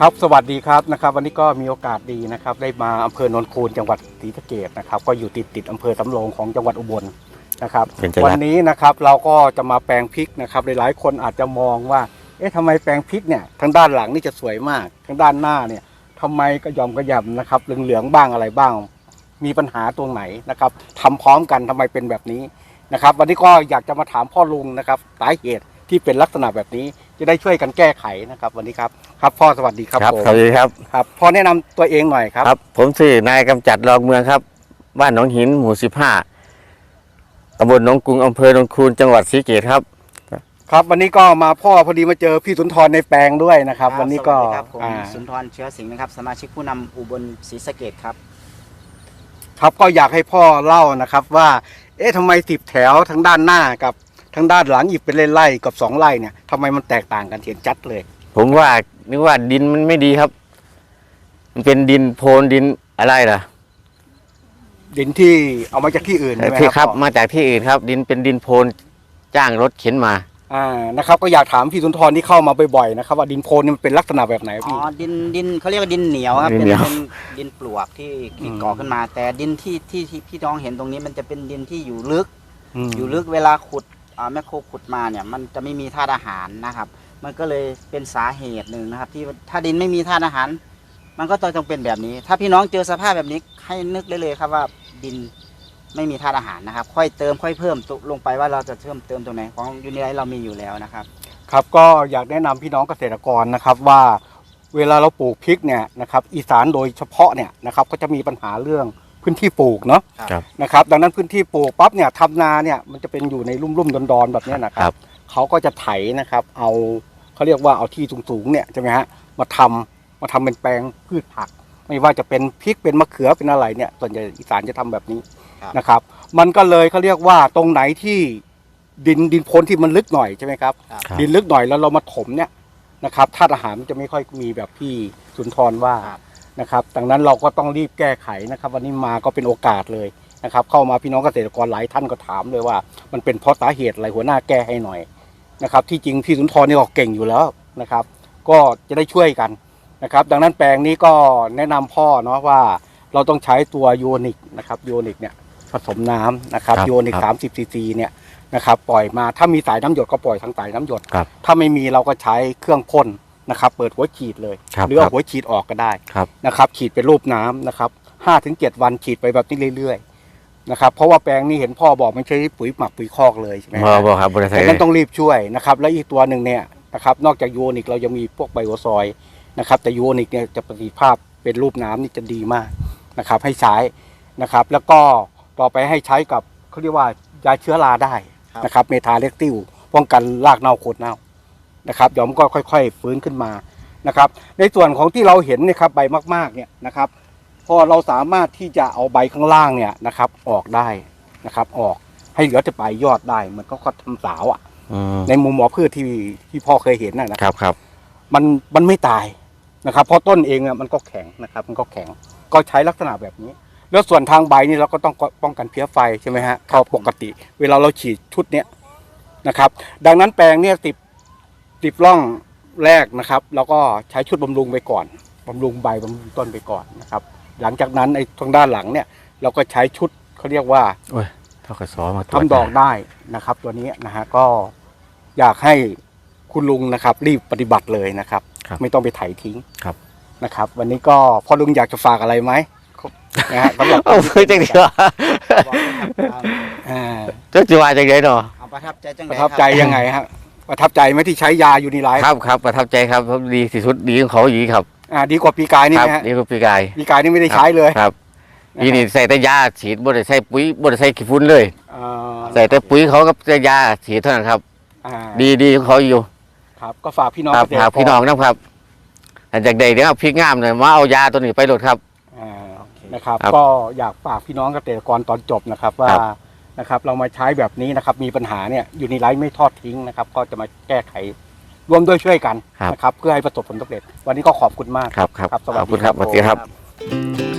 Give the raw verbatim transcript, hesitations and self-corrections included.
ครับสวัสดีครับนะครับวันนี้ก็มีโอกาสดีนะครับได้มาอำเภอโนนคูนจังหวัดศรีสะเกษนะครับก็อยู่ติดติดอำเภอสำโรงของจังหวัดอุบลนะครับวันนี้นะครับเราก็จะมาแปลงพริกนะครับหลายๆคนอาจจะมองว่าเอ๊ะทำไมแปลงพริกเนี่ยทางด้านหลังนี่จะสวยมากทางด้านหน้าเนี่ยทำไมกระยอมกระยำนะครับเหลืองๆบ้างอะไรบ้างมีปัญหาตรงไหนนะครับทำพร้อมกันทำไมเป็นแบบนี้นะครับวันนี้ก็อยากจะมาถามพ่อลุงนะครับสาเหตุที่เป็นลักษณะแบบนี้จะได้ช่วยกันแก้ไขนะครับวันนี้ครับครับพ่อสวัสดีครับผมสวัสดีครับครับพ่อแนะนำตัวเองหน่อยครับครับผมชื่อนายกำจัดรองเมืองครับบ้านหนองหินหมู่สิบห้าตำบลหนองกรุงอำเภอหนองคูนจังหวัดศรีสะเกษครับครับวันนี้ก็มาพ่อพอดีมาเจอพี่สุนทรในแปลงด้วยนะครับวันนี้ก็สวัสดีครับผมสุนทรเชื้อสิงห์นะครับสมาชิกผู้นำอุบลศรีสะเกษครับครับก็อยากให้พ่อเล่านะครับว่าเอ๊ะทำไมสิบแถวทางด้านหน้ากับทางด้านหลังอีกเป็นไร่ๆกับสองไร่เนี่ยทำไมมันแตกต่างกันเห็นชัดเลยผมว่านึกว่าดินมันไม่ดีครับมันเป็นดินโพนดินอะไรล่ะดินที่เอามาจากที่อื่นใช่ไหมที่ครับมาจากที่อื่นครับดินเป็นดินโพนจ้างรถเข็นมาอ่านะครับก็อยากถามพี่สุนทรที่เข้ามาบ่อยๆนะครับว่าดินโพนนี่มันเป็นลักษณะแบบไหนอ๋พี่อดินดินเขาเรียกว่าดินเหนียวครับเป็นเป็นดินปลวกที่ที่ก่อขึ้นมาแต่ดินที่ที่ที่พี่น้องเห็นตรงนี้มันจะเป็นดินที่อยู่ลึกอยู่ลึกเวลาขุดอ่าแมคโครขุดมาเนี่ยมันจะไม่มีธาตุอาหารนะครับมันก็เลยเป็นสาเหตุหนึ่งนะครับที่ถ้าดินไม่มีธาตุอาหารมันก็ต้องเป็นแบบนี้ ถ้าพี่น้องเจอสภาพแบบนี้ให้นึกได้เลยครับว่าดินไม่มีธาตุอาหารนะครับค่อยเติมค่อยเพิ่มลงไปว่าเราจะเพิ่มเติมตรงไหนของยูนิไลท์เรามีอยู่แล้วนะครับครับก็อยากแนะนำพี่น้องเกษตรกรนะครับว่าเวลาเราปลูกพริกเนี่ยนะครับอีสานโดยเฉพาะเนี่ยนะครับก็จะมีปัญหาเรื่องพื้นที่ปลูกเนาะนะครับดังนั้นพื้นที่ปลูกปั๊บเนี่ยทำนาเนี่ยมันจะเป็นอยู่ในลุ่มๆดอนๆแบบนี้นะครับเขาก็จะไถนะครับเอาเขาเรียกว่าเอาที่สูงๆเนี่ยใช่ไหมฮะมาทำมาทำเป็นแปลงพืชผักไม่ว่าจะเป็นพริกเป็นมะเขือเป็นอะไรเนี่ยส่วนใหญ่อีสานจะทำแบบนี้นะครับมันก็เลยเขาเรียกว่าตรงไหนที่ดินดินโพนที่มันลึกหน่อยใช่ไหมครับดินลึกหน่อยแล้วเรามาถมเนี่ยนะครับธาตุอาหารมันจะไม่ค่อยมีแบบพี่สุนทรว่านะครับดังนั้นเราก็ต้องรีบแก้ไขนะครับวันนี้มาก็เป็นโอกาสเลยนะครับเข้ามาพี่น้องเกษตรกรหลายท่านก็ถามเลยว่ามันเป็นเพราะสาเหตุอะไรหัวหน้าแก้ให้หน่อยนะครับที่จริงพี่สุนทรนี่ก็เก่งอยู่แล้วนะครับก็จะได้ช่วยกันนะครับดังนั้นแปลงนี้ก็แนะนำพ่อเนาะว่าเราต้องใช้ตัวยูนิคนะครับยูนิคเนี่ยผสมน้ำนะครับยูนิคสามสิบซีซีเนี่ยนะครับปล่อยมาถ้ามีสายน้ำหยดก็ปล่อยทางสายน้ำหยดถ้าไม่มีเราก็ใช้เครื่องพ่นนะครับเปิดหัวฉีดเลยหรือเอาหัวฉีดออกก็ได้นะครับฉีดเป็นรูปน้ำนะครับห้าถึงเจ็ดวันฉีดไปแบบนี้เรื่อยๆนะครับเพราะว่าแปลงนี้เห็นพ่อบอกไม่ใช่ปุ๋ยหมักปุ๋ยคอกเลยใช่ไหมครับครับดังนั้นต้องรีบช่วยนะครับและอีกตัวหนึ่งเนี่ยนะครับนอกจากยูนิคเรายังมีพวกไบโอซอยนะครับแต่ยูนิคเนี่ยจะประสิทธิภาพเป็นรูปน้ำนี่จะดีมากนะครับให้ใช้นะครับแล้วก็ต่อไปให้ใช้กับเขาเรียกว่ายาเชื้อราได้นะครับเมทาเล็กติวป้องกันรากเน่าโคนเน่านะครับเดี๋ยวมันก็ค่อยๆฟื้นขึ้นมานะครับในส่วนของที่เราเห็นนะครับใบมากๆเนี่ยนะครับพอเราสามารถที่จะเอาใบข้างล่างเนี่ยนะครับออกได้นะครับออกให้เหลือแต่ใบยอดได้มันก็ทำสาวอ่ะในมุมหมอพืชที่ที่พ่อเคยเห็นนะครับครับมันมันไม่ตายนะครับเพราะต้นเองอ่ะมันก็แข็งนะครับมันก็แข็งก็ใช้ลักษณะแบบนี้แล้วส่วนทางใบนี่เราก็ต้องป้องกันเพี้ยไฟใช่ไหมฮะเขาปกติเวลาเราฉีดชุดเนี้ยนะครับดังนั้นแปลงเนี่ยติดติดร่องแรกนะครับแล้วก็ใช้ชุดบำรุงไปก่อนบำรุงใบบำรุงต้นไปก่อนนะครับหลังจากนั้นไอ้ทางด้านหลังเนี่ยเราก็ใช้ชุดเขาเรียกว่าเท่ากับซอมาทำดอกได้นะครับตัวนี้นะฮะก็อยากให้คุณลุงนะครับรีบปฏิบัติเลยนะครับไม่ต้องไปไถทิ้งนะครับวันนี้ก็พ่อลุงอยากจะฝากอะไรไหมนะฮะสำหรับเอาไปจังเดียวเจ้าจีวาจังไงเนาะประทับใจจังประทับใจยังไงฮะประทับใจไหมที่ใช้ยาอยู่ในไลฟ์ครับครับประทับใจครับดีที่สุดดีของเขาอย่างนี้ครับอ่าดีกว่าปีกายนี่นะฮะดีกว่าปีกายปีกายนี่ไม่ได้ใช้เลยครับปีนี้ใส่แต่ยาฉีดบ่ได้ใส่ปุ๋ยบ่ได้ใส่ขี้ฝุ่นเลยใส่แต่ปุ๋ยเขากับแต่ยาฉีดเท่านั้นครับดีดีของเขาอยู่ครับก็ฝากพี่น้องฝากพี่น้องนะครับหลังจากใดเดี๋ยวพริกงามเลยมาเอายาตัวนี้ไปโหลดครับนะครับก็อยากฝากพี่น้องเกษตรกรตอนจบนะครับว่านะครับเรามาใช้แบบนี้นะครับมีปัญหาเนี่ยอยู่ในไลฟ์ไม่ทอดทิ้งนะครับก็จะมาแก้ไขร่วมด้วยช่วยกันนะครับเพื่อให้ประสบผลสำเร็จวันนี้ก็ขอบคุณมากครับครับขอบคุณครับสวัสดีครับ